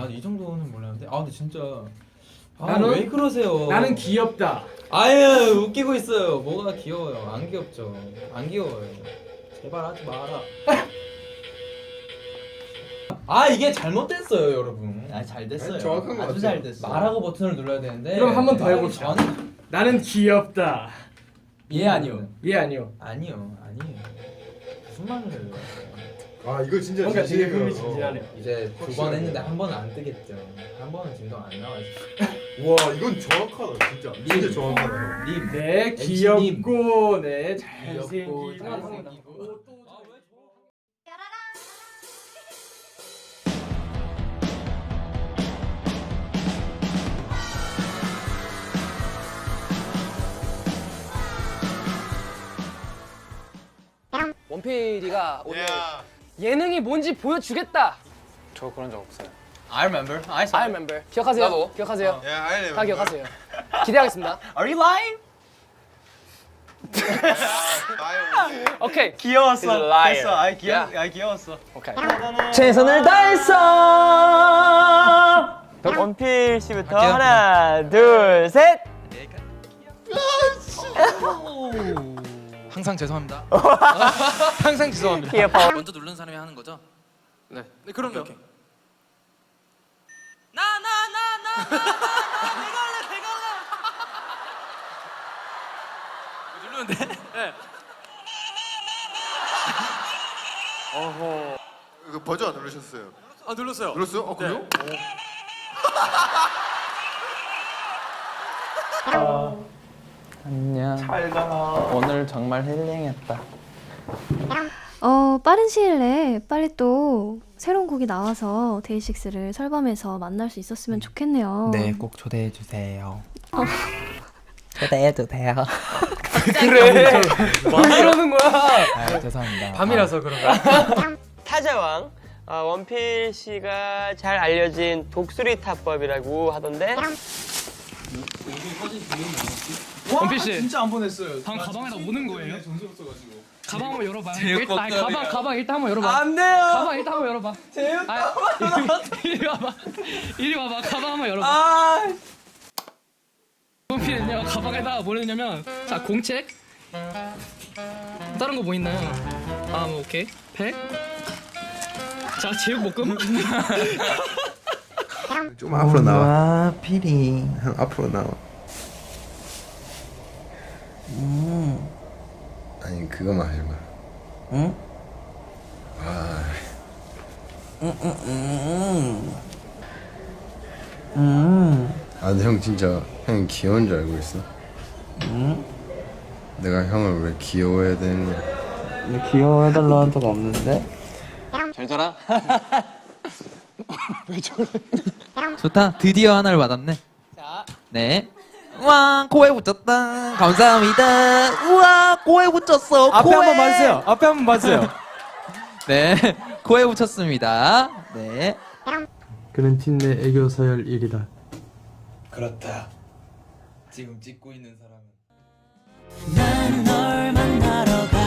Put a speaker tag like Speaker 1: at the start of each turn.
Speaker 1: 난 이 정도는 몰랐는데. 아 근데 진짜.
Speaker 2: 나는
Speaker 1: 왜 그러세요?
Speaker 2: 나는 귀엽다.
Speaker 1: 아유 웃기고 있어요. 뭐가 귀여워요? 안 귀엽죠. 안 귀여워요. 제발 하지 마라. 아 이게 잘못됐어요 여러분.
Speaker 3: 아 잘 됐어요.
Speaker 4: 아니, 정확한 것
Speaker 3: 아주
Speaker 4: 같아요.
Speaker 3: 잘 됐어.
Speaker 1: 말하고 버튼을 눌러야 되는데.
Speaker 2: 그럼 한번더
Speaker 1: 말하기
Speaker 2: 해봅시다.
Speaker 1: 전-
Speaker 2: 나는 귀엽다.
Speaker 3: 예 아니요.
Speaker 2: 예 아니요.
Speaker 1: 아니요 아니에요. 무슨 말을 해요?
Speaker 4: 아 이거 진짜
Speaker 2: 뭔가 되게
Speaker 4: 진심이에요.
Speaker 2: 흥미진진하네.
Speaker 1: 이제 두 번 했는데 한 번은 안 뜨겠죠. 한 번은 진동 안 나와요.
Speaker 4: 와 이건 정확하다 진짜. 진짜 정확하다.
Speaker 1: 님.
Speaker 2: 네
Speaker 1: MC님.
Speaker 2: 귀엽고 네
Speaker 1: 귀엽고
Speaker 2: 잘생기고
Speaker 1: 잘생기고.
Speaker 5: 원필이가 오늘 예능이 뭔지 보여주겠다. 저 그런 적 없어요.
Speaker 3: I remember.
Speaker 5: I remember. 기억하세요?
Speaker 3: 나도.
Speaker 5: 기억하세요?
Speaker 4: 야 알래.
Speaker 5: 다 기억하세요. 기대하겠습니다.
Speaker 3: Are you lying?
Speaker 5: 오케이.
Speaker 3: 귀여웠어.
Speaker 5: He's a liar.
Speaker 3: 됐어. 아
Speaker 5: Yeah.
Speaker 3: 귀여웠어.
Speaker 5: 오케이.
Speaker 3: 최선을 다했어. 원필 씨부터 하나, 둘, 셋.
Speaker 6: 항상 죄송합니다. 항상 죄송합니다.
Speaker 3: 귀여워.
Speaker 6: 먼저 누른 사람이 하는 거죠?
Speaker 5: 네.
Speaker 6: 네, 그럼요.
Speaker 5: 오케이.
Speaker 6: 누르면 돼? 네.
Speaker 4: 그 버전 안 누르셨어요?
Speaker 6: 아 눌렀어요.
Speaker 4: 눌렀어요? 어 그래요?
Speaker 7: 안녕. 오늘 정말 힐링했다.
Speaker 8: 빠른 시일 내에 빨리 또 새로운 곡이 나와서 데이식스를 설밤에서 만날 수 있었으면 좋겠네요.
Speaker 7: 네, 꼭 초대해 주세요. 초대해도 돼요.
Speaker 2: 그래. 왜 이러는 거야?
Speaker 7: 아, 죄송합니다.
Speaker 2: 밤이라서 그런가?
Speaker 3: 타자왕 원필 씨가 잘 알려진 독수리 타법이라고 하던데.
Speaker 5: 원필 씨.
Speaker 3: 진짜 안 보냈어요.
Speaker 5: 방금 가방에다 오는 거예요? 가방 한번 열어봐요.
Speaker 3: 제육
Speaker 5: 아니, 가방 일단 한번 열어봐.
Speaker 3: 안 돼요.
Speaker 5: 가방 일단 한번 열어봐.
Speaker 3: 제육
Speaker 5: 이리 와봐. 이리 와봐. 가방 한번 열어봐.
Speaker 3: 아.
Speaker 5: 원필은요 가방에다가 뭘 넣냐면 자 공책 다른 거 뭐 있나요? 아 뭐 오케이 팩. 자 제육볶음.
Speaker 4: 좀 앞으로 나와.
Speaker 7: 와, 피리.
Speaker 4: 형 앞으로 나와. 아니 그거만 하지 마.
Speaker 7: 응?
Speaker 4: 아 아, 근데 형 진짜 형이 귀여운 줄 알고 있어?
Speaker 7: 응?
Speaker 4: 내가 형을 왜 귀여워해야 되느냐?
Speaker 7: 귀여워해달라는 적 없는데?
Speaker 6: 잘 자라.
Speaker 7: 좋다. 드디어 하나를 받았네.
Speaker 3: 자.
Speaker 7: 네. 우와, 코에 붙였다. 감사합니다. 우와, 코에 붙였어.
Speaker 2: 앞에
Speaker 7: 코에.
Speaker 2: 한번 봐주세요. 앞에 한번 봐주세요.
Speaker 7: 네, 코에 붙였습니다. 네.
Speaker 2: 그는 팀 내 애교 서열 1위다.
Speaker 1: 그렇다. 지금 찍고 있는 사람은.
Speaker 3: 나는 널 만나러 가.